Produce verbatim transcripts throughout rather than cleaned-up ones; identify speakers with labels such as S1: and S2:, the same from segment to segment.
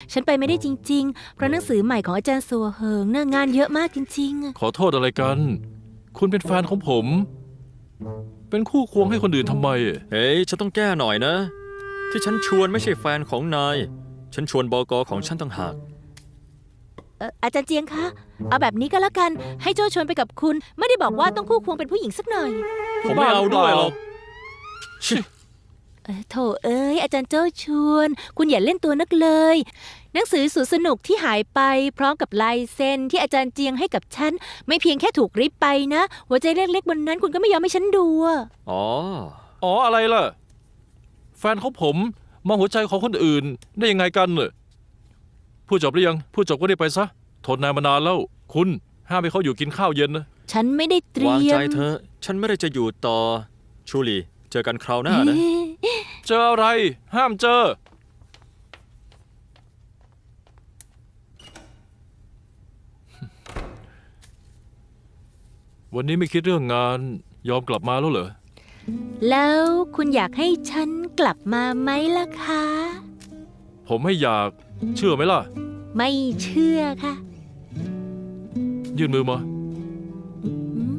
S1: ฉันไปไม่ได้จริงๆเพราะหนังสือใหม่ของอาจารย์สัวเหิงน่างานเยอะมากจริงๆ
S2: ขอโทษอะไรกัน คุณเป็นแฟนของผม เป็นคู่ควงให้คนอื่นทำไม
S3: เฮ้ยฉันต้องแก้หน่อยนะ ที่ฉันชวนไม่ใช่แฟนของนายฉันชวนบก.ของฉันต่างหาก
S1: เอ่ออาจารย์เจียงคะเอาแบบนี้ก็แล้วกันให้โจ้ชวนไปกับคุณไม่ได้บอกว่าต้องคู่ควงเป็นผู้หญิงสักหน่อย
S3: ผมไม่เอาด้วยหรอก
S1: เอ่อโถเอ้ยอาจารย์โจ้ชวน คุณอย่าเล่นตัวนักเลย หนังสือสุดสนุกที่หายไปพร้อมกับลายเซ็นที่อาจารย์เจียงให้กับฉันไม่เพียงแค่ถูกริบไปนะหัวใจเล็กๆบนนั้นคุณก็ไม่ยอมให้ฉันดูอะ
S3: อ๋อ
S2: อ๋ออะไรล่ะ แฟนของผมมองหัวใจของคนอื่นได้ยังไงกันเน่ะพูดจบหรือยังพูดจบก็ได้ไปซะทนนานมานานแล้ว คุณห้ามให้เขาอยู่กินข้าวเย็นนะ
S1: ฉันไม่ได้เตรี
S3: วาง
S1: ย
S3: ใจ
S1: ม
S3: เธอฉันไม่ได้จะอยู่ต่อชูลีเจอกันคราวหน้านะ
S2: เจออะไร ห้ามเจอ วันนี้ไม่คิดเรื่องงานยอมกลับมาแล้วเหรอ
S1: แล้วคุณอยากให้ฉันกลับมาไหมล่ะคะ
S2: ผมไม่อยากเชื่อไหมล่ะ
S1: ไม่เชื่อค่ะ
S2: ยื่นมือมา
S1: อืม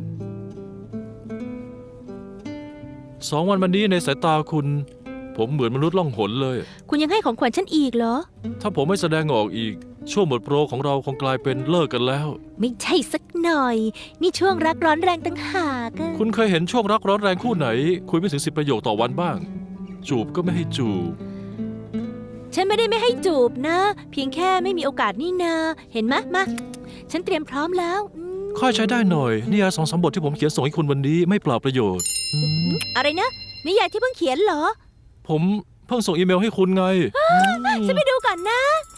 S2: สองวันมานี้ในสายตาคุณ ผมเหมือนมนุษย์ล่องหนเลย
S1: คุณยังให้ของขวัญฉันอีกเหรอ
S2: ถ้าผมไม่แสดงออกอีก ช่วงหมดโปรของเราคงกลายเป็นเลิกกันแล้ว
S1: ไม่ใช่สักหน่อย นี่ช่วงรักร้อนแรงตั้งหากอะ
S2: คุณเคยเห็นช่วงรักร้อนแรงคู่ไหน คุยไม่ถึงสิบประโยคต่อวันบ้าง จูบก็ไม่ให้จูบ
S1: ฉันไม่ได้ไม่ให้จูบนะ เพียงแค่ไม่มีโอกาสนี่นา เห็นไหมมา ฉันเตรียมพร้อมแล้วอืม
S2: ค่อยใช้ได้หน่อยนิยายสองสามบทที่ผมเขียนส่งให้คุณวันนี้ไม่เปล่าประโยชน์อืม
S1: อะไรนะนิยายที่เพิ่งเขียนเหรอ
S2: ผมเพิ่งส่งอีเมลให้คุณไง
S1: ฉันไปดูก่อนนะ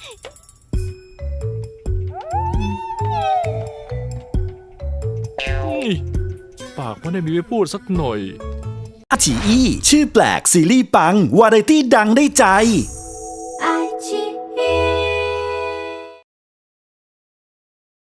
S2: นี่ปากไม่ได้มีไว้พูดสักหน่อย
S4: อาฉีอี้ชื่อแปลกซีรีส์ปัง วาไรตี้ดังได้ใจ